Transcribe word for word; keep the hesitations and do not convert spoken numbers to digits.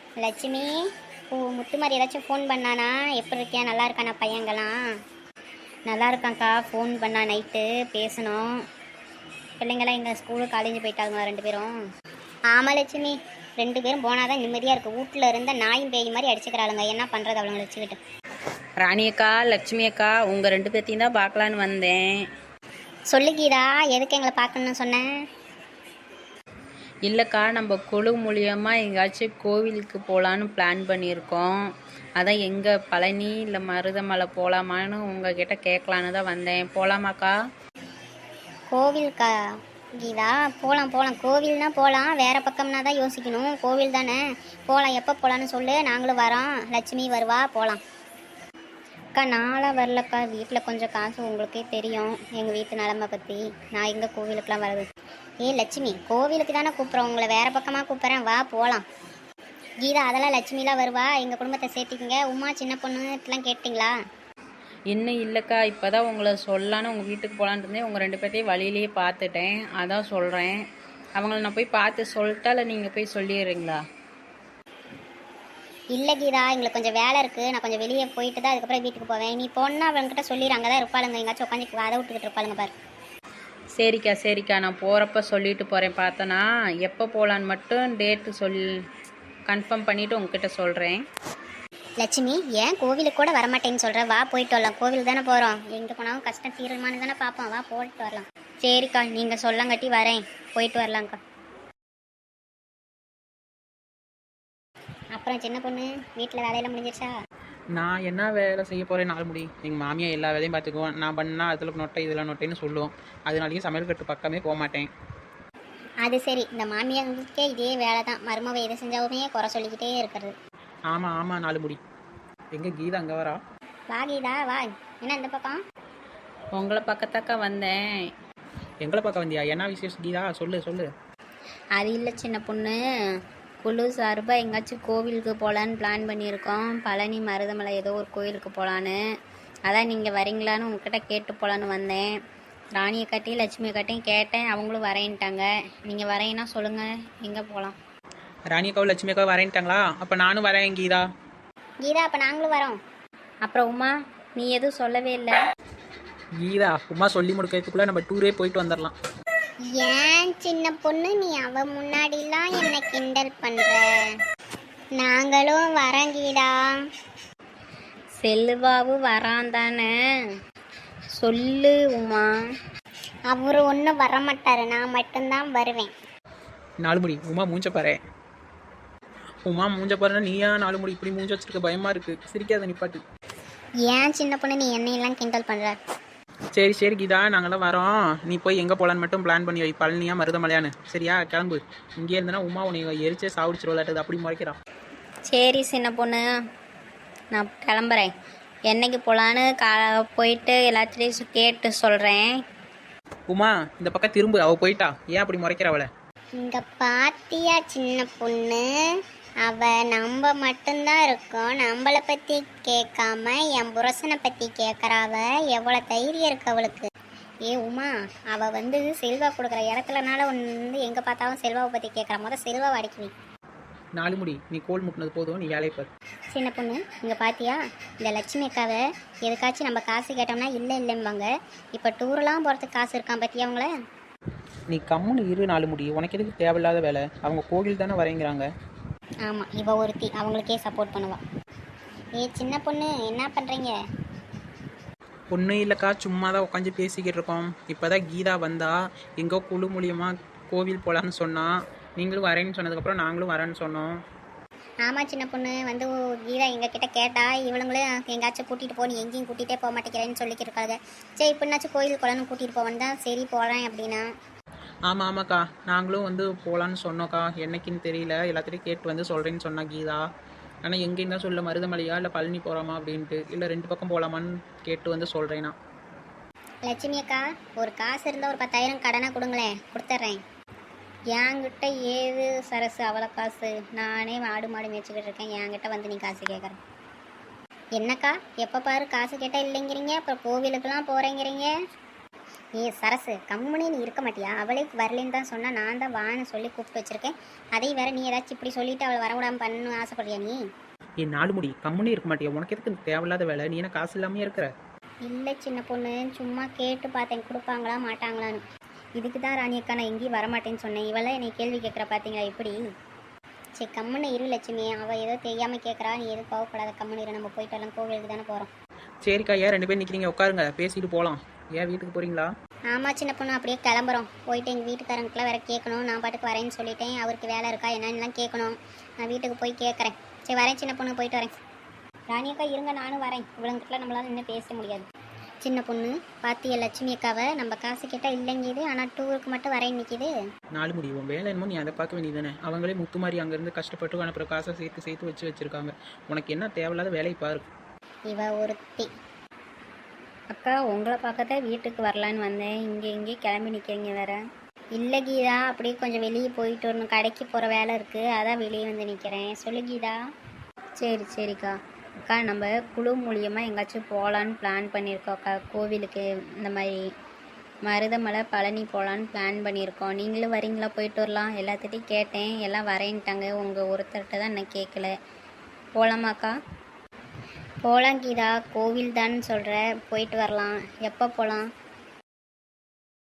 லட்சுமி, ஓ முத்துமாரி ஏதாச்சும் ஃபோன் பண்ணானா? எப்படி இருக்கியா? நல்லா இருக்கானா பையங்களாம்? நல்லா இருக்காங்க்கா. ஃபோன் பண்ணா நைட்டு பேசணும். பிள்ளைங்களாம் எங்கள் ஸ்கூலு காலேஜ் போயிட்டாங்க ரெண்டு பேரும். ஆமாம் லட்சுமி, ரெண்டு பேரும் போனாதான் நிம்மதியாக இருக்குது. வீட்டில் இருந்த நாயும் பேய் மாதிரி அடிச்சுக்கிறாளுங்க. என்ன பண்ணுறது அவளுங்களை வச்சுக்கிட்டு? ராணி அக்கா, லட்சுமி அக்கா, உங்கள் ரெண்டு பேர்த்தையும் தான் பார்க்கலான்னு வந்தேன். சொல்லு கீதா, எதுக்கு எங்களை பார்க்கணுன்னு சொன்னேன்? இல்லைக்கா, நம்ம குழு மூலியமாக எங்கேயாச்சும் கோவிலுக்கு போகலான்னு பிளான் பண்ணியிருக்கோம். அதான் எங்கே பழனி இல்லை மருதமலை போகலாமான்னு உங்ககிட்ட கேட்கலான்னு தான் வந்தேன். போகலாமாக்கா? கோவிலுக்கா கீதா? போகலாம் போகலாம். கோவில்னா போகலாம், வேறு பக்கம்னா தான் யோசிக்கணும். கோவில் தானே, போகலாம். எப்போ போகலான்னு சொல்லு, நாங்களும் வரோம். லட்சுமி வருவா, போகலாம். அக்கா நாளாக வரலக்கா, வீட்டில் கொஞ்சம் காசு, உங்களுக்கே தெரியும் எங்கள் வீட்டு நிலமை பற்றி. நான் எங்கே கோவிலுக்கெலாம் வருது? ஏ லட்சுமி, கோவிலுக்கு தானே கூப்பிட்றோம், உங்களை வேறு பக்கமாக கூப்பிட்றேன், வா போகலாம். கீதா, அதெல்லாம் லட்சுமிலாம் வருவா, எங்கள் குடும்பத்தை சேர்த்திக்கிங்க. உமா சின்ன பொண்ணுலாம் கேட்டிங்களா? இன்னும் இல்லைக்கா, இப்போ தான் உங்களை சொல்லலான்னு உங்கள் வீட்டுக்கு போகலான்னு இருந்தேன். உங்கள் ரெண்டு பேர்த்தையும் வழியிலேயே பார்த்துட்டேன், அதான் சொல்கிறேன். அவங்கள நான் போய் பார்த்து சொல்லிட்டா இல்லை நீங்கள் போய் சொல்லிடுறீங்களா? இல்லை கீதா, எங்களுக்கு கொஞ்சம் வேலை இருக்குது, நான் கொஞ்சம் வெளியே போயிட்டு தான் அதுக்கப்புறம் வீட்டுக்கு போவேன். நீ போனால் அவங்ககிட்ட சொல்லிடு, அங்கே தான் இருப்பாளுங்க, எங்கேயாச்சும் உட்காந்து அதை விட்டுக்கிட்டு இருப்பாளுங்க பாரு. சரிக்கா சரிக்கா, நான் போகிறப்ப சொல்லிட்டு போகிறேன். பார்த்தோன்னா எப்போ போகலான்னு மட்டும் டேட்டு சொல் கன்ஃபார்ம் பண்ணிவிட்டு உங்ககிட்ட சொல்கிறேன். லட்சுமி, ஏன் கோவிலுக்கு கூட வரமாட்டேன்னு சொல்கிற? வா போயிட்டு வரலாம். கோவில் தானே போகிறோம், எங்கே போனாலும் கஷ்டம் தீரமானு தானே பார்ப்போம். வா போயிட்டு வரலாம். சரிக்கா, நீங்கள் சொல்லங்கட்டி வரேன், போயிட்டு வரலாங்க்கா. அப்புறம் சின்ன பொண்ணு, வீட்டில் வேலையெல்லாம் முடிஞ்சிருச்சா? நான் என்ன வேலை செய்ய போகிறேன்? நாலு முடி எங்கள் மாமியார் எல்லா வேலையும் பார்த்துக்குவோம். நான் பண்ணால் அதில் நொட்டை இதில் நொட்டைன்னு சொல்லுவோம். அதனாலேயும் சமையல் கட்டு பக்கமே போக மாட்டேன். அது சரி, இந்த மாமியாருக்கே இதே வேலை தான், மருமவை எது செஞ்சாலுமே குறை சொல்லிக்கிட்டே இருக்கிறது. ஆமாம் ஆமாம், நாலு முடி. எங்கே கீதா அங்கே வரா? வா கீதா வா. என்ன இந்த பக்கம்? உங்களை பக்கத்தாக்கா வந்தேன். எங்களை பார்க்க வந்தியா? என்ன விசேஷம் கீதா? சொல்லு சொல்லு. அது இல்லை சின்ன பொண்ணு, குழு சார்பாக எங்கேயாச்சும் கோவிலுக்கு போகலான்னு பிளான் பண்ணியிருக்கோம். பழனி மருதமலை ஏதோ ஒரு கோவிலுக்கு போகலான்னு. அதான் நீங்கள் வரீங்களான்னு உங்ககிட்ட கேட்டு போகலான்னு வந்தேன். ராணியை காட்டியும் லட்சுமியை காட்டியும் கேட்டேன், அவங்களும் வரேன்ட்டாங்க. நீங்கள் வரேன்னா சொல்லுங்கள், எங்கே போகலாம்? ராணியக்காவும் லட்சுமியக்காவும் வரேன்ட்டாங்களா? அப்போ நானும் வரேன் கீதா. கீதா, அப்போ நாங்களும் வரோம். அப்புறம் உமா, நீ எதுவும் சொல்லவே இல்லை. கீதா, உமா சொல்லி முடிக்கிறதுக்குள்ளே நம்ம டூரே போயிட்டு வந்துடலாம். ஏன் சின்ன பொண்ணு, நீ அவ முன்னாடிலாம் என்ன கிண்டல் பண்ற? நாங்களும் வரோம் கீதா. செல்வாவும் வரான் தானே, சொல்லு உமா. அவரு ஒன்றும் வரமாட்டாரு, நான் மட்டும்தான் வருவேன். நாலு முடி, உமா மூஞ்ச பாரு. உமா மூஞ்ச பாருன்னா நீயா நாலு முடி இப்படி மூஞ்ச வச்சிருக்க? பயமாக இருக்குது, சிரிக்காத நிப்பாட்டு. ஏன் சின்ன பொண்ணு, நீ என்னையெல்லாம் கிண்டல் பண்ற? சரி சரி கீதா, நாங்களாம் வரோம். நீ போய் எங்கே போகலான்னு மட்டும் பிளான் பண்ணி வை. பழனியா மருதமலையான்னு, சரியா? கிளம்பு. இங்கே இருந்தனா உமா உன்னை எரிச்சே சாவிடிச்சிருவலாட்டது, அப்படி முறைக்கிறான். சரி சின்ன பொண்ணு, நான் கிளம்புறேன். என்னைக்கு போகலான்னு கா போயிட்டு எல்லாத்துலேயும் கேட்டு சொல்கிறேன். உமா இந்த பக்கம் திரும்ப, அவள் போயிட்டா. ஏன் அப்படி முறைக்கிற அவளை? இங்க பாத்தியா சின்ன பொண்ணு, அவ நம்ம மட்டும்தான் இருக்கோம், நம்மளை பத்தி கேட்காம என் புருஷனை பத்தி கேட்கறாவ. எவ்வளவு தைரியம் இருக்கு அவளுக்கு. ஏ உமா, அவ வந்து செல்வா கொடுக்குற இடத்துலனால வந்து எங்க பார்த்தாலும் செல்வாவை பத்தி கேட்கறா. முதல் செல்வாவை அடிக்கணும். நாலு முடி, நீ கோல் முட்டினது போதும், நீ வேலையை பாரு. சின்ன பொண்ணு, இங்க பாத்தியா இந்த லட்சுமி அக்காவை எதுக்காச்சும் நம்ம காசு கேட்டோம்னா இல்லை இல்லைம்பாங்க. இப்போ டூர்லாம் போகிறதுக்கு காசு இருக்கான் பத்தியா அவங்கள? நீ கம்முன்னு இரு நாலு முடி, உனக்கு எதுக்கு தேவையில்லாத வேலை? அவங்க கோவில் தானே வரேங்கிறாங்க. ஆமாம், இவ ஒருத்தி அவங்களுக்கே சப்போர்ட் பண்ணுவா. ஏ சின்ன பொண்ணு, என்ன பண்ணுறீங்க? ஒன்றும் இல்லைக்கா, சும்மா தான் உட்காந்து பேசிக்கிட்டு இருக்கோம். இப்போ தான் கீதா வந்தா, எங்கோ குழு மூலியமாக கோவில் போகலான்னு சொன்னால், நீங்களும் வரேன்னு சொன்னதுக்கப்புறம் நாங்களும் வரேன்னு சொன்னோம். ஆமாம் சின்ன பொண்ணு, வந்து கீதா எங்ககிட்ட கேட்டா, இவளுங்களும் எங்கேயாச்சும் கூட்டிகிட்டு போ, நீ எங்கேயும் கூட்டிகிட்டே போக மாட்டேங்கிறேன்னு சொல்லிக்கிட்டு இருக்காங்க. சரி, இப்படின்னாச்சும் கோயில் குளம்னு கூட்டிகிட்டு போவேன்னு தான் சரி போகிறேன் அப்படின்னா. ஆமாம் ஆமாக்கா, நாங்களும் வந்து போகலான்னு சொன்னோக்கா. என்னைக்குன்னு தெரியல, எல்லாத்தையும் கேட்டு வந்து சொல்கிறேன்னு சொன்னா கீதா. ஆனால் எங்கேயும் தான் சொல்ல, மருதமலையா இல்லை பழனி போகிறாமா அப்படின்ட்டு, இல்லை ரெண்டு பக்கம் போகலாமான்னு கேட்டு வந்து சொல்கிறேன்னா. லட்சுமி அக்கா, ஒரு காசு இருந்தால் ஒரு பத்தாயிரம் கடனாக கொடுங்களேன், கொடுத்துட்றேன். என்கிட்ட ஏது சரசு அவ்வளோ காசு? நானே ஆடு மாடு மேய்ச்சிக்கிட்டு இருக்கேன், என்கிட்ட வந்து நீ காசு கேட்குறேன். என்னக்கா எப்போ பாரு காசு கேட்டால் இல்லைங்கிறீங்க, அப்புறம் கோவிலுக்கெல்லாம் போகிறேங்கிறீங்க. ஏ சரசு கம்முனே நீ இருக்க மாட்டியா? அவளே வரலன்னு தான் சொன்னா, நான் தான் வான்னு சொல்லி கூப்பிட்டு வச்சிருக்கேன். அதையும் வேற நீ ஏதாச்சும் இப்படி சொல்லிட்டு அவளை வரவிடாமல் பண்ணணும்னு ஆசைப்படுறியா நீ? என் நாலு முடி கம்முனே இருக்க மாட்டியா? உனக்கு எதுக்கு இந்த தேவையில்லாத வேலை? நீ என்ன காசு இல்லாமே இருக்கிற? இல்லை சின்ன பொண்ணு, சும்மா கேட்டு பார்த்தேன் கொடுப்பாங்களா மாட்டாங்களான்னு. இதுக்கு தான் ராணியக்கா நான் எங்கேயும் வரமாட்டேன்னு சொன்னேன். இவெல்லாம் என்னை கேள்வி கேட்குற பார்த்தீங்களா எப்படி? சரி கம்முன்னு இரு லட்சுமி, அவள் ஏதோ தெரியாமல் கேட்குறா, நீ எதுவும் கோவப்படாத, கம்முன்னு இரு. நம்ம போயிட்டு வரலாம், கோவிலுக்கு தானே போகிறோம். சரிக்கா, ஏன் ரெண்டு பேரும் நிற்கிறீங்க? உட்காருங்க, பேசிட்டு போகலாம். ஏன் வீட்டுக்கு போகிறீங்களா? ஆமாம் சின்ன பொண்ணு, அப்படியே கிளம்புறோம். போயிட்டு எங்கள் வீட்டுக்காரங்களுக்குலாம் வேற கேட்கணும். நான் பாட்டுக்கு வரேன்னு சொல்லிட்டேன். அவருக்கு வேலை இருக்கா என்னன்னுலாம் கேட்கணும். நான் வீட்டுக்கு போய் கேட்குறேன். சரி வரேன் சின்ன பொண்ணு, போயிட்டு வரேன். ராணியக்கா இருங்க, நானும் வரேன். இவ்வளோங்கிட்டலாம் நம்மளால இன்னும் பேச முடியாது. சின்ன பொண்ணு பாத்திய லட்சுமி அக்காவை நம்ம காசு கேட்டால் இல்லைங்கிது, ஆனால் டூருக்கு மட்டும் வரேன் நிற்கிது. நாலு முடியும் வேலை என்னமோ நீ அதை பார்க்க வேண்டியதானே? அவங்களே முத்து மாதிரி அங்கேருந்து கஷ்டப்பட்டு அனுப்புகிற காசை சேர்த்து சேர்த்து வச்சு வச்சுருக்காங்க. உனக்கு என்ன தேவையில்லாத வேலையை பாரு. இவ ஒருத்தி. அக்கா உங்களை பார்க்கத்தான் வீட்டுக்கு வரலான்னு வந்தேன். இங்கே இங்கே கிளம்பி நிற்கிறீங்க வேற. இல்லை கீதா, அப்படியே கொஞ்சம் வெளியே போயிட்டு வரணும், கடைக்கு போகிற வேலை இருக்குது, அதான் வெளியே வந்து நிற்கிறேன். சொல்லு கீதா. சரி சரிக்கா. அக்கா நம்ம குழு மூலியமாக எங்கேயாச்சும் போகலான்னு பிளான் பண்ணியிருக்கோம் அக்கா. கோவிலுக்கு இந்த மாதிரி மருதமலை பழனி போகலான்னு பிளான் பண்ணியிருக்கோம். நீங்களும் வரீங்களா? போயிட்டு வரலாம். எல்லாத்திட்டையும் கேட்டேன், எல்லாம் வரேன்ட்டாங்க. உங்கள் ஒருத்தர்கிட்ட தான் நான் கேட்கல. போகலாமாக்கா? போகலாம் கீதா, கோவில் தான் சொல்கிற, போயிட்டு வரலாம். எப்போ போகலாம்?